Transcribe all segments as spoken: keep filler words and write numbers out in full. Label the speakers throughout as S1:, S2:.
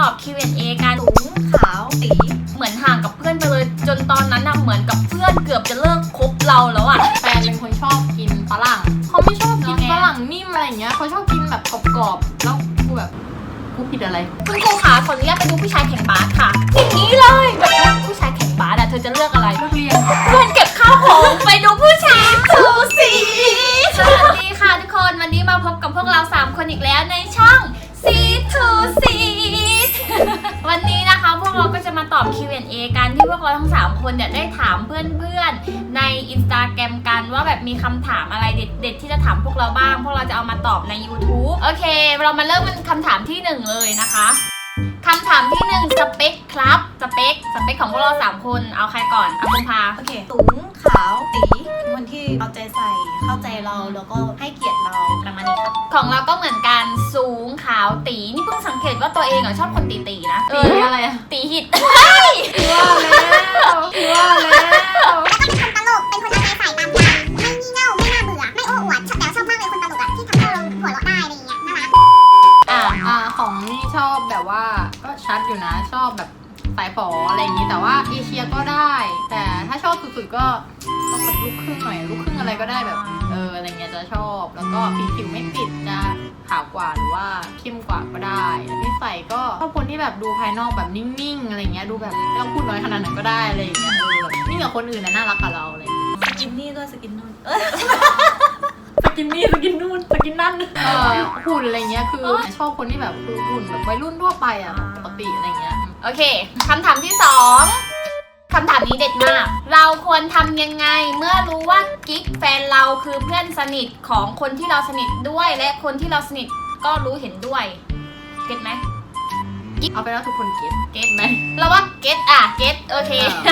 S1: อบ คิว แอนด์ เอ กันสูงขาวตีเหมือนห่างกับเพื่อนไปเลยจนตอนนั้นน่ะเหมือนกับเพื่อนเกือบจะเลิกคบเราแล้วอ่ะ
S2: แฟนเป็นคนชอบกินฝรั่งเขาไม่ชอบกินฝรั่งนิ่มอะไรอย่างเงี้ยเขาชอบกินแบบกรอบๆแล้วกูแบบกูผิดอะไร
S1: คุณครูขาขออนุญาตไปดูผู้ชายแข่งบาสค่ะอย่างนี้เลยแบบผู้ชายแข่งบาสอะเธอจะเลือกอะไร
S2: เลือกเรียน
S1: เพื่อนเก็บข้าวของไปดูผู้ชายทูสีสวัสดีค่ะทุกคนวันนี้มาพบกับพวกเราสามคนอีกแล้วในช่องซีทูซีวันนี้นะคะพวกเราก็จะมาตอบ คิว แอนด์ เอ กันที่พวกเราทั้งสามคนเนี่ยได้ถามเพื่อนๆใน Instagram กันว่าแบบมีคำถามอะไรเด็ดๆที่จะถามพวกเราบ้างพวกเราจะเอามาตอบใน YouTube โอเคเรามาเริ่มเป็นคำถามที่หนึ่งเลยนะคะคำถามที่หนึ่งสเปคครับสเปคสเปคของพวกเราสามคนเอาใครก่อนเอาคุณพา
S3: โอเคสูงขาวตีคนที่เอาใจใส่เข้าใจเราแล้วก็ให้เกียรติเราประมาณนี้ครับ
S1: ของเราก็เหมือนกันสูงขาวตีนี่เพิ่งสังเกตว่าตัวเองอ่ะชอบคนตีตีนะ
S2: ตีอะไรอะ
S1: ตีหิด
S2: ว่าแล้วว่าแล้ว
S4: เป็นคนตลกเป็นคนเอาใจใส่ตามใจไม่งี่เง่าไม่น่าเบื่อไม่โอ้อวดแต่ชอบมากเลยคนตลกอะที่ทำให้เราหัวเราะได้อะไรอย่างเงี้ยน่ารัก
S2: อ่าอ่าของนี่ชอบแบบว่าก็ชัดอยู่นะชอบแบบสายฝออะไรอย่างนี้แต่ว่าเอเชียก็ได้แต่ถ้าชอบสุดๆก็ต้องแบบลูกครึ่งหน่อยลูกครึ่งอะไรก็ได้แบบเอออะไรเงี้ยจะชอบแล้วก็ผิวผิวไม่ติดจะขาวกว่าหรือว่าเข้มกว่าก็ได้นิสัยก็ชอบคนที่แบบดูภายนอกแบบนิ่งๆอะไรเงี้ยดูแบบไม่ต้องพูดน้อยขนาดไหนก็ได้อะไรอย่างเงี้ยเออแบบนิ่งกับคนอื่นนะน่ารักกับเราอะไร
S3: สกินนี่ด้วยสกินนู่น
S2: สกินนี่สกินนู่นสกินนั่นเออหุ่นอะไรเงี้ยคือชอบคนที่แบบคือหุ่นแบบวัยรุ่นทั่วไปอ่ะปกติอะไรเงี้ย
S1: โอเคคำถามที่สองคำถามนี้เด็ดมากเราควรทำยังไงเมื่อรู้ว่ากิ๊กแฟนเราคือเพื่อนสนิทของคนที่เราสนิทด้วยและคนที่เราสนิทก็รู้เห็นด้วยเก็ตไหม
S2: กิ๊กเอาไปแล้วทุกคนเก็ต
S1: เก็ตไหมเราว่าเก็ตอ่ะเก็ตโอเค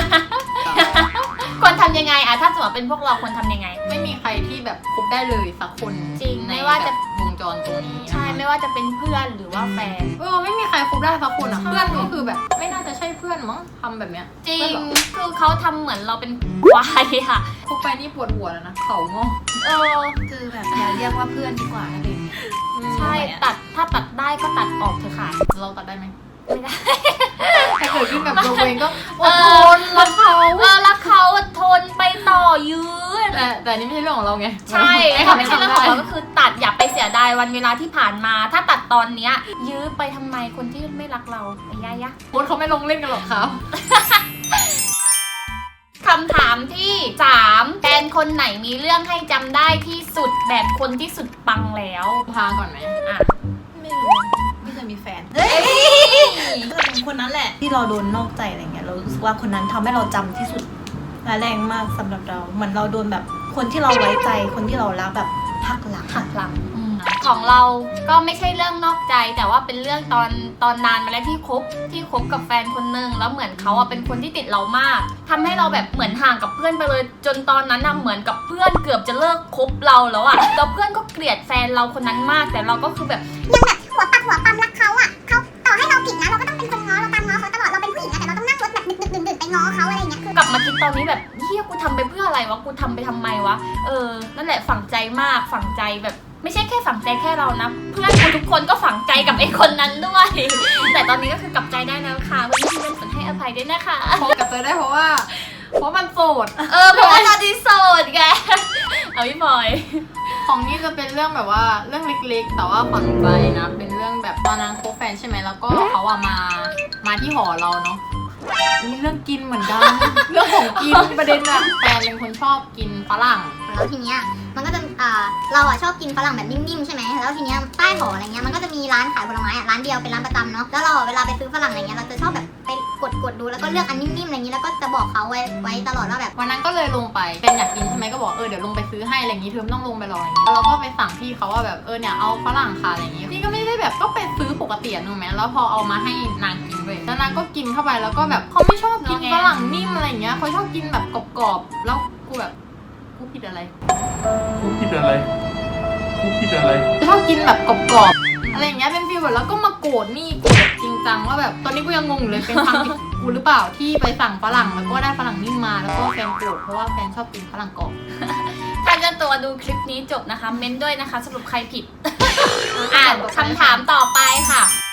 S1: ควรทำยังไงอ่ะถ้าสมมติเป็นพวกเราควรทำยังไง
S2: ไม่มีใครที่แบบคบได้เลยสักคน
S1: จริงไม่ว่าจะ
S2: วงจรตรงนี้
S1: ใช่ไม่ว่าจะเป็นเพื่อนหรือว่าแฟน
S2: เออไม่มีใครคบได้สักคนอ่ะเพื่อนก็คือแบบไม่น่าจะใช่เพื่อนมั้งทำแบบเนี้ย
S1: จริงคือเขาทำเหมือนเราเป็นควายค่ะ
S2: คบไปนี่ปวดหัวแล้วนะเขางอ
S1: เออ
S3: คือแบบอย่าเรียกว่าเพื่อนดีกว่าอะไรอย่างเงี้ย
S1: ใช่ตัดถ้าตัดได้ก็ตัดออกเถอะค่ะ
S2: เราตัดได้ไหม
S1: ไม่ได้
S2: ถ้าเกิดขึ้นแบบตัวเองก็อดทนรักเขา
S1: เออรักเขาอดทนไปต่อยืด
S2: แต่แต่นี่ไม่ใช่เรื่องของเราไง
S1: ใช่ไม่ใช่เรื่องของเราก็คือตัดอย่าไปเสียดายวันเวลาที่ผ่านมาถ้าตัดตอนเนี้ยยื้อไปทำไมคนที่ไม่รักเราไอ้ยายะ
S2: โค้ชเขาไม่ลงเล่นกันหรอกครับ
S1: คำถามที่สามแฟนคนไหนมีเรื่องให้จำได้ที่สุดแบบคนที่สุดปังแล้ว
S2: พาก่อนไหม
S1: อ่ะ
S3: ไม่รู้ไม่เคยมีแฟนเฮ้ยก็เป็นคนนั้นแหละที่เราโดนนอกใจอะไรเงี้ยเรารู้สึกว่าคนนั้นทำให้เราจำที่สุดและแรงมากสำหรับเราเหมือนเราโดนแบบคนที่เราไว้ใจคนที่เรารักแบบหักหลัง
S1: หักหลังของเราก็ไม่ใช่เรื่องนอกใจแต่ว่าเป็นเรื่องตอนตอนนานมาแล้วที่คบที่คบกับแฟนคนนึงแล้วเหมือนเขาอะเป็นคนที่ติดเรามากทำให้เราแบบเหมือนห่างกับเพื่อนไปเลยจนตอนนั้นอะเหมือนกับเพื่อนเกือบจะเลิกคบเราแล้วอะแล้วเพื่อนก็เกลียดแฟนเราคนนั้นมากแต่เราก็คือแบบ
S4: ยังแบบหัวปักหัวปั๊มรักเขาอะเขาต่อให้เราผิดนะเราก็ต้องเป็นคนง้อเราตามง้อเขาตลอดเราเป็นผู้หญิงนะแต่เราต้องนั่งรถแบบดึกๆดื่นๆไปง้อเขาอะไรเงี้ยคื
S1: อกลับมาคิดตอนนี้แบบเฮียกูทำไปเพื่ออะไรวะกูทำไปทำไมวะเออนั่นแหละฝังใจมากฝังใจแบบไม่ใช่แค่ฝังใจแค่เรานะเพื่อนกูทุกคนก็ฝังใจกับไอ้คนนั้นด้วยแต่ตอนนี้ก็คือกลับใจได้แล้วค่ะวันนี้พี่เป็นฝนให้อภัยด้วยนะคะ
S2: พอกลับใจได้เพราะว่าเพราะมันโสด
S1: เออเพราะว่าตอนนี้โสดไงเอาพี่บอย
S2: ของนี่จะเป็นเรื่องแบบว่าเรื่องเล็กๆแต่ว่าฝังใจนะเป็นเรื่องแบบตอนนั้นคบแฟนใช่ไหมแล้วก็เขาอะมามาที่หอเราเนาะมีเรื่องกินเหมือนกันเรื่องของกินประเด็นอะแฟนเป็นคนชอบกินฝรั่ง
S4: แล้วทีเนี้ยมันก็จะอ่าเราอ่ะชอบกินฝรั่งแบบนิ่มๆใช่ไหมแล้วทีเนี้ยใต้หออะไรเงี้ยมันก็จะมีร้านขายผลไม้อ่ะร้านเดียวเป็นร้านประจำเนาะแล้วเราเวลาไปซื้อฝรั่งอะไรเงี้ยเราจะชอบแบบไปกดกดดูแล้วก็เลือกอันนิ่มๆอะไรเงี้ยแล้วก็จะบอกเขาไว้ไว้ตลอดว่าแบบ
S2: วันนั้นก็เลยลงไปเป็นอยากกินใช่ไหมก็บอกเออเดี๋ยวลงไปซื้อให้อะไรอย่างงี้เธอไม่ต้องลงไปรออย่างงี้แล้วเราก็ไปสั่งพี่เขาว่าแบบเออเนี่ยเอาฝรั่งค่ะอะไรอย่างงี้พี่ก็ไม่ได้แบบก็ไปซื้อปกตินึกไหมแล้วพอเอามาให้นางกินเลยแล้วนางก็กินเข้าไปแล้วก็แบบเขาไม่ชอบกินฝรั่งนิ่มอะไรอย่างเงี้ยเขาชอบกินแบบกรอบๆแล้วกูแบบกูผิดอะไร
S5: กูผิดอะไรกูผิดอะไร
S2: ชอบกินแบบกรอบๆอะไรอย่างเงี้ยเป็นฟีลแบบแล้วก็มาโกรธนี่โกรธจริงจังว่าแบบตอนนี้กูยังงงเลยเป็นความผิดกูหรือเปล่าที่ไปสั่งฝรั่งแล้วก็ได้ฝรั่งนิ่มมาแล้วก็แฟนโกรธเพราะว่าแฟนชอบกินฝรั่งกรอบ
S1: ถ้าเจ้าตัวดูคลิปนี้จบนะคะเม้นด้วยนะคะสรุปใครผิดอ่านคำถามต่อไปค่ะ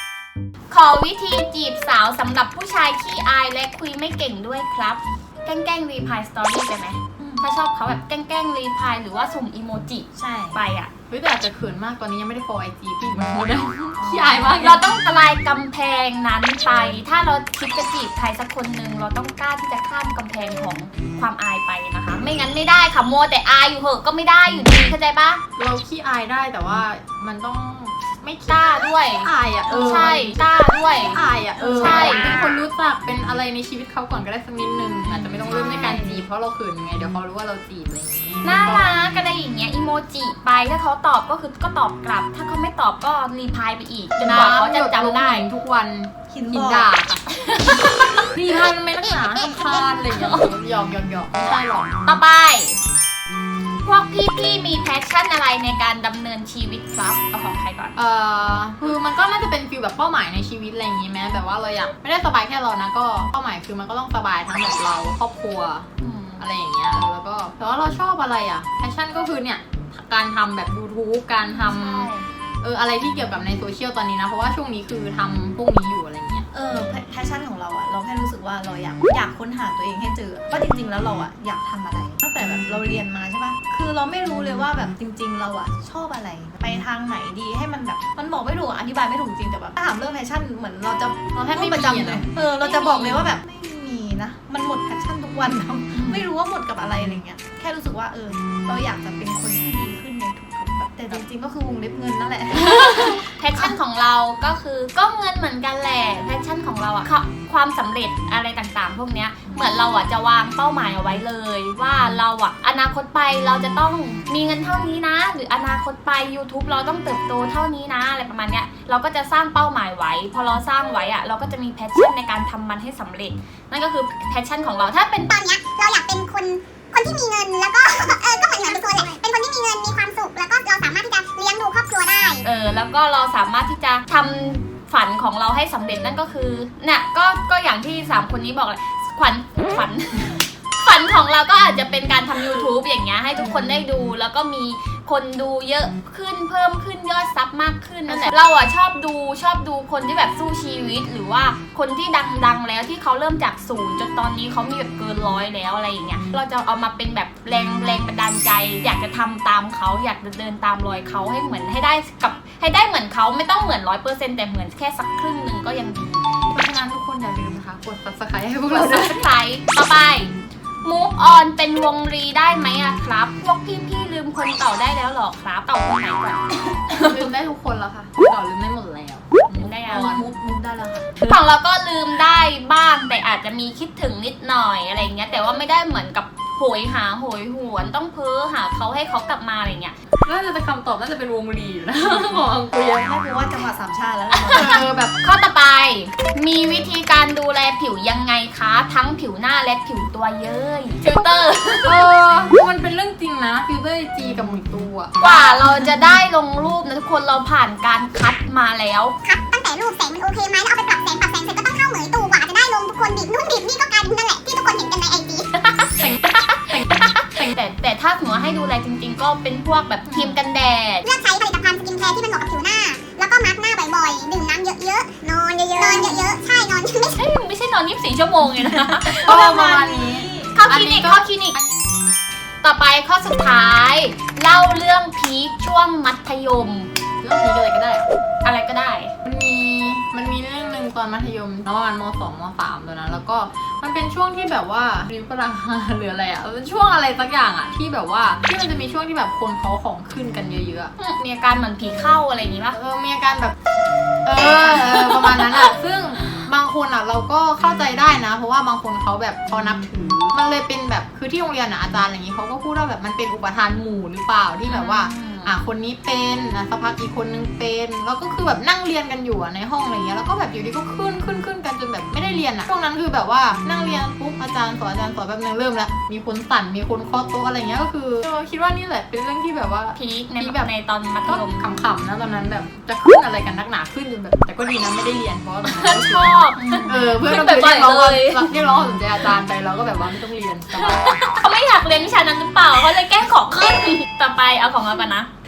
S1: ขอวิธีจีบสาวสำหรับผู้ชายขี้อายและคุยไม่เก่งด้วยครับ แกล้งแกล้งรีพายสตอรี่ไปไหมถ้าชอบเขาแบบแกล้งแกล้งรีพายหรือว่าส่งอีโมจิ
S3: ใช่
S1: ไปอ่ะ
S2: เฮ้ยแต่อาจจะเขินมากตอนนี้ยังไม่ได้ follow ไอจีพี่มันโมได้ขี้อายมาก
S1: เราต้องทลายกำแพงนั้นไป ถ้าเราคิดจะจีบใครสักคนหนึ่งเราต้องกล้าที่จะข้ามกำแพงของความอายไปนะคะ ไม่งั้นไม่ได้ค่ะมัวแต่อายอยู่เหอะก็ไม่ได้อยู่ดีเข้าใจปะ
S2: เราขี้อายได้แต่ว่ามันต้องไม่
S1: กล้าด้วย
S2: อายอ่ะเออ
S1: ใช่กล้าด้วย
S2: อายอ่ะเออ
S1: ใช่
S2: เป็นคนรู้จักเป็นอะไรในชีวิตเขาก่อนก็ได้สักนิดนึงอาจจะไม่ต้องเริ่มในการจีบเพราะเราเขินยังไงเดี๋ยวเขารู้ว่าเราจีบอะไรอย่างนี้
S1: น่ารักกันได้อย่างเงี้ยอีโมจิไปถ้าเขาตอบก็คือก็ตอบกลับ ถ้าเขาไม่ตอบก็รีพายไปอีกจนกว่าเขาจะจำได้
S2: น้ำหยดลงหินทุกวัน
S3: หิน
S2: หิน
S3: บอก
S2: ด่าค่ะรีพายมันไม่รักษาทำคานอะไรอย่างเงี้ยหยอกหยอกหยอกไม่ใช่หรอก
S1: ต่อไป พวกพี่ๆมีแพชชั่นอะไรในการดำเนินชีวิตครับเอาของใครก่อน
S2: เอ่อคือมันก็น่าจะเป็นฟีลแบบเป้าหมายในชีวิตอะไรอย่างงี้ไหมแบบว่าเราอยากไม่ได้สบายแค่เรานะก็เป้าหมายคือมันก็ต้องสบายทั้งแบบเราครอบครัวอะไรอย่างเงี้ยเออแล้วก็แต่ว่าเราชอบอะไรอ่ะแพชชั่นก็คือเนี่ยการทำแบบ YouTube การทำเอออะไรที่เกี่ยวกับในโซเชียลตอนนี้นะเพราะว่าช่วงนี้คือทำพวกนี้อยู่อะไรเงี้ย
S3: เออแพชชั่นของเราอะเราแค่รู้สึกว่าเราอยากอยากค้นหาตัวเองให้เจอว่าจริงๆแล้วเราอะอยากทำอะไรตั้งแต่แบบเราเรียนมาใช่ปะคือเราไม่รู้เลยว่าแบบจริง ๆ เราอะชอบอะไรไปทางไหนดีให้มันแบบมันบอกไม่ถูกอะอธิบายไม่ถูกจริงแต่แบบถ้าถามเรื่องแพชชั่นเหมือนเราจะ
S2: เราแทบไม่
S3: พูดประจำ
S2: มี
S3: เล
S2: อะ
S3: ยเออเราจะบอกเลยว่าแบบไม่มีนะมันหมดแพชชั่นทุกวันนะไม่รู้ว่าหมดกับอะไรอะไรเงี้ยแค่รู้สึกว่าเออเราอยากจะเป็นคนที่ดีขึ้นในทุกๆแบบแต่จริงๆก็คือวงเล็บเงินนั่นแหละ
S1: แพชชั่นของเราก็คือก็เงินเหมือนกันแหละแพชชั่นของเราอะค่ะความสำเร็จอะไรต่างๆ พวกเนี้ยเหมือนเราอะจะวางเป้าหมายเอาไว้เลย ว่าเราอะอนาคตไปเราจะต้องมีเงินเท่านี้นะ หรืออนาคตไป YouTube เราต้องเติบโตเท่านี้นะอะไรประมาณเนี้ยเราก็จะสร้างเป้าหมายไว้พอเราสร้างไว้อะเราก็จะมีแพชชั่นในการทำมันให้สำเร็จ นั่นก็คือแพชชั่นของเราถ้าเป็น
S4: ตอนเนี้ยเราอยากเป็นคนคนที่มีเงินแล้วก็ เออก็เหมือนเหมือนตัวแหละเป็นคนที่มีเงินมีความสุขแล้วก็เราสามารถที่จะเลี้ยงดูครอบครัวได้
S1: เออแล้วก็เราสามารถที่จะทำฝันของเราให้สำเร็จนั่นก็คือเนี่ยก็ก็อย่างที่สามคนนี้บอกเลยขวัญขวัญ ฝันของเราก็อาจจะเป็นการทำ YouTube อย่างเงี้ยให้ทุกคนได้ดูแล้วก็มีคนดูเยอะขึ้นเพิ่มขึ้นยอดซับมากขึ้นนั่นแหละเราอ่ะชอบดูชอบดูคนที่แบบสู้ชีวิตหรือว่าคนที่ดังๆแล้วที่เขาเริ่มจากศูนย์จนตอนนี้เขามีแบบเกินร้อยแล้วอะไรอย่างเงี้ยเราจะเอามาเป็นแบบแรงแรงบันดาลใจ อยากจะทำตามเขาอยากจะเดินตามรอยเขาให้เหมือนให้ได้กับให้ได้เหมือนเขาไม่ต้องเหมือนร้อยเปอร์เซ็นต์แต่เหมือนแค่สักครึ่งหนึ่งก็ยังดี
S2: เพราะฉะนั้นทุกคนอย่าลืมนะคะกด subscribe ให้พวก
S1: ก
S2: เรา
S1: ด
S2: ด้วย
S1: subscribe ต่อไป move on เป็นวงรีได้ไหมอะครับ พวกพี่ๆลืมคนเก่าได้แล้วหรอครับเก่าคนไหนก่อน
S2: ลืมได้ทุกคนแล้วค่ะต่อลืมได้หมดแล้ว
S1: ลืมได้ยัง
S3: มุกมุกได้แล้วค่ะ
S1: ของเราก็ลืมได้บ้างแต่อาจจะมีคิดถึงนิดหน่อยอะไรเงี้ยแต่ว่าไม่ได้เหมือนกับโหยหาโหยหวนต้องเพ้อหาเขาให้เขากลับมาอะไรเงี้ย
S2: น่าจะเป็นคำตอบน่าจะเป็นวงรีอยู่นะ ของอังกุย
S3: แค่รู้ว่าจังหวัดสามชาติแล้วนะ
S2: เออแบบ
S1: ข้อต่อไปมีวิธีการดูแลผิวยังไงคะ ทั้งผิวหน้าและผิวตัวเย้ยฟิลเตอร์
S2: เออมันเป็นเรื่องจริงนะฟิลเตอร์จีกับหมุนตัว
S1: กว่าเราจะได้ลงรูปนะทุกคนเราผ่านการคัดมาแล้ว
S4: ครับตั้งแต่รูปแสงมันโอเคไหมแล้วเอาไปปรับแสงปรับแสงเสร็จก็ต้องเข้าเหมยตู่กว่าจะได้ลงทุกคนดิบนู่นดิบนี่ก็กลายเป็นนั่นแหละที่ทุกคนเห็นกันในไอจี
S1: แต่แต่ถ้าสมมติว่าให้ดูแลจริง ๆ ก็เป็นพวกแบบครีมกันแดด
S4: เลือกใช้ผลิตภัณฑ์สกินแคร์ที่มันเหมาะกับผิวหน้า แล้วก็มาร์กหน้าบ่อยๆ ดื่มน้ำเยอะๆ นอนเยอะๆ นอนเยอะๆ ใช่ นอนไม่ใช่
S1: เฮ้ยไม่ใช่นอนยี่สิบสี่ชั่วโมงเลยนะ
S2: ก็ประมาณนี้
S1: เข้าคลินิกเข้าคลินิก ต่อไปข้อสุดท้าย เล่าเรื่องพีคช่วงมัธยม
S2: เรื่องนี้อะไรก็ได้
S1: อะไรก็ได้
S2: มันมีมันมีเรื่องหนึ่งตอนมัธยมประมาณมสองมสามตอนนั้นแล้วก็มันเป็นช่วงที่แบบว่าริวกำลัง หรืออะไรอ่ะมันเป็นช่วงอะไรสักอย่างอ่ะที่แบบว่าที่มันจะมีช่วงที่แบบคนเขาของขึ้นกันเยอะๆอะ
S1: มีอาการเหมือนผีเข้าอะไรอย่างงี้ปะ
S2: เออมีอาการแบบเออเออประมาณนั้นอ่ะซึ่งบางคนอ่ะเราก็เข้าใจได้นะ เพราะว่าบางคนเขาแบบเขานับถือมันเลยเป็นแบบคือที่โรงเรียนอ่ะอาจารย์อะไรอย่างงี้เขาก็พูดว่าแบบมันเป็นอุปทานหมู่หรือเปล่าที่แบบว่าอ่ะคนนี้เป็นอ่ะสักพักอีกคนนึงเป็นแล้วก็คือแบบนั่งเรียนกันอยู่อ่ะในห้องอะไรอย่างเงี้ยแล้วก็แบบอยู่ดีก็ขึ้นขึ้นขึ้นกันจนแบบไม่ได้เรียนอ่ะช่วงนั้นคือแบบว่านั่งเรียนปุ๊บอาจารย์สอนอาจารย์สอนแบบนึงเริ่มแล้วมีคนสั่นมีคนเคาะโต๊ะอะไรเงี้ยก็คือเออคิดว่านี่แหละเป็นเรื่องที่แบบว่า
S1: พีคใน
S2: พีค
S1: แบบในตอนมัธ
S2: ก็
S1: ยม
S2: ขำๆนะตอนนั้นแบบจะขึ้นอะไรกันนักหนาขึ้นจนแบบแต่ก็ดีนะไม่ได้เรียนเพราะว่าตอนนั้นก็
S1: ชอบ
S2: เออเพื่อน
S1: ขึ้น
S2: เราไป
S1: บ่อย
S2: เรียกร้อง
S1: ๆเลย
S2: เรียกร้องความสนใจอาจารย์ไปเราก็แบบว่าไม่ต้องเรียนสบาย
S1: เขาไม่อยากเรียนวิชานั้นหรือเปล่าเขาเลยแกล้งขอขึ้น ต่อไปเอาของเรากันนะ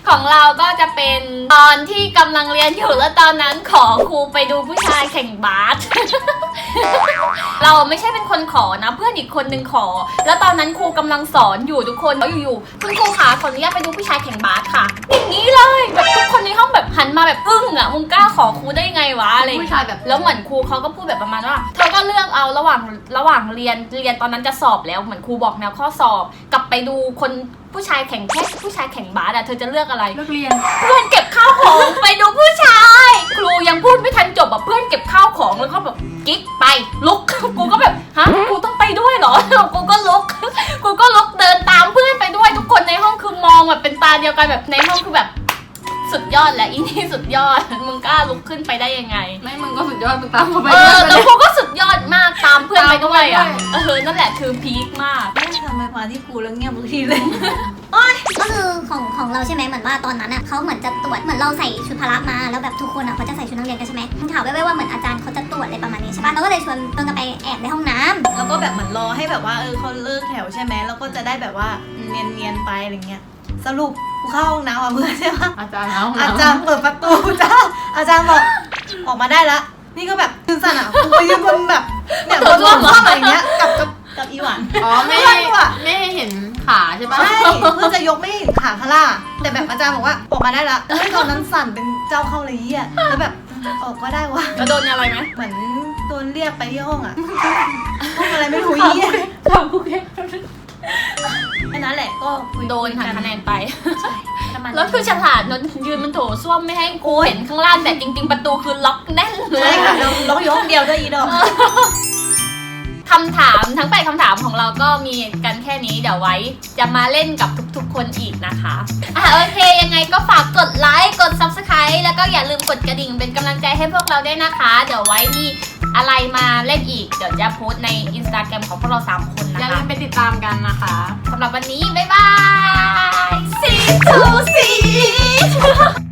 S1: ของเราก็จะเป็นตอนที่กำลังเรียนอยู่แล้วตอนนั้นขอครูไปดูผู้ชายแข่งบาส เราไม่ใช่เป็นคนขอนะเพื่อนอีกคนนึงขอ แล้วตอนนั้นครูกำลังสอนอยู่ทุกคนแล้วอยู่ๆคุณครูขาขออนุญาตไปดูผู้ชายแข่งบาสค่ะอย่างนี้เลยแบบทุกคนในห้องแบบหันมาแบบอึ้งอ่ะมึงกล้าขอครูได้ไงวะอะไรอย่าง
S2: ผู้
S1: เงี้ย
S2: ชายแบบ
S1: แล้วเหมือนครูเขาก็พูดแบบประมาณว่าเธอก็เลือกเอาระหว่างระหว่างเรียนเรียนตอนนั้นจะสอบแล้วเหมือนครูบอกแนวข้อสอบกลับไปดูคนผู้ชายแข่งแค่ผู้ชายแข่งบาสอะเธอจะเลือกอะไร
S2: เลิกเรียน
S1: เพื่อนเก็บข้าวของไปดูผู้ชายครูยังพูดไม่ทันจบอะเพื่อนเก็บข้าวของแล้วก็แบบกิ๊กไปลุก กูก็แบบฮะกูต้องไปด้วยเหรอ กูก็ลุก กูก็ลุกเดินตามเพื่อนไปด้วยทุกคนในห้องคือมองแบบเป็นตาเดียวกันแบบในห้องคือแบบสุดยอดแหละอีนี่สุดยอดมึงกล้าลุกขึ้นไปได้ยังไง
S2: ไม่มึงก็สุดยอดมึงตามเขาไป
S1: เออ
S2: ด้
S1: แล้ว
S2: วย
S1: ครูก็สุดยอดมากตามเพื่อนไปด้วยอ่ะ
S2: ตามไปด้วย
S1: เออนั่นแหละคือพีคมาก
S3: ไม่ทำไมมาที่กูแล้วเงียบทุกทีเลย
S4: ก็คือของของเราใช่ไหมเหมือนว่าตอนนั้นอ่ะเขาเหมือนจะตรวจเหมือนเราใส่ชุดพละมาแล้วแบบทุกคนอ่ะเขาจะใส่ชุดนักเรียนกันใช่ไหมมึงถามไว้ไว้ว่าเหมือนอาจารย์เขาจะตรวจอะไรประมาณนี้ใช่ปะเราก็เลยชวนชวนกันไปแอบในห้องน้ำ
S3: แล้วก็แบบเหมือนรอให้แบบว่าเออเขาเลิกแถวใช่ไหมแล้วก็จะได้แบบว่าเนียนเนียนๆไปอะไรเงี้ยสรุปกูเข้าห้องน้ำอ่ะเพื่อนใช่ปะ
S2: อาจารย์เอา
S3: อาจารย์เปิดประตูจ้าอาจารย์บอกออกมาได้ละนี่ก็แบบตื่นสั่นอ่ะกูไปยืนบนแบบเนี่ยบนร่องข้ออะไรเงี้ยกับกับกับอีหวัน
S2: อ๋อไม่
S3: เพื่อนกูอะ
S2: ไม่ให้เห็นขาใช่ปะ
S3: ใช่เพื่อจะยกไม่เห็นขาข้างล่างแต่แบบอาจารย์บอกว่าออกมาได้ละแล้วตอนนั้นสั่นเป็นเจ้าเข้าเลยอ่ะแล้วแบบออกก็ได้วะ
S1: แล้วโดนอะไรไหม
S3: เหมือนโดนเรียกไปที่ห้องอ่ะห้องอะไรไม่รู้ยี่
S2: ทำกูแค่
S3: แค่นั้นแหละก็คุย
S1: โดนหักคะแนนไป
S3: ใช่ประมาณนั้น
S1: แล้วคือฉลาดนนยืนมันโถส้วมไม่ให้ครูเห็นข้างล่างแต่จริง ๆ ประตูคือล็อกแน่นเล
S3: ใช่
S1: ย
S3: ค่ะเราเราอยู่ห้องเดียวด้วยอีดอก
S1: คำถามทั้งแปดคำถามของเราก็มีกันแค่นี้เดี๋ยวไว้จะมาเล่นกับทุกๆ คนอีกนะคะอ่ะโอเคยังไงก็ฝากกดไลค์กด ซับสไครบ์ แล้วก็อย่าลืมกดกระดิ่งเป็นกำลังใจให้พวกเราด้วยนะคะ เดี๋ยวไว้มีอะไรมาเล่นอีกเดี๋ยวจะโพสต์ใน อินสตาแกรม ของพวกเราสามคน
S2: อ
S1: นะ
S2: ย่าลื
S1: คะ
S2: มไปติดตามกันนะคะ
S1: สำหรับวันนี้บ๊ายบาย See to see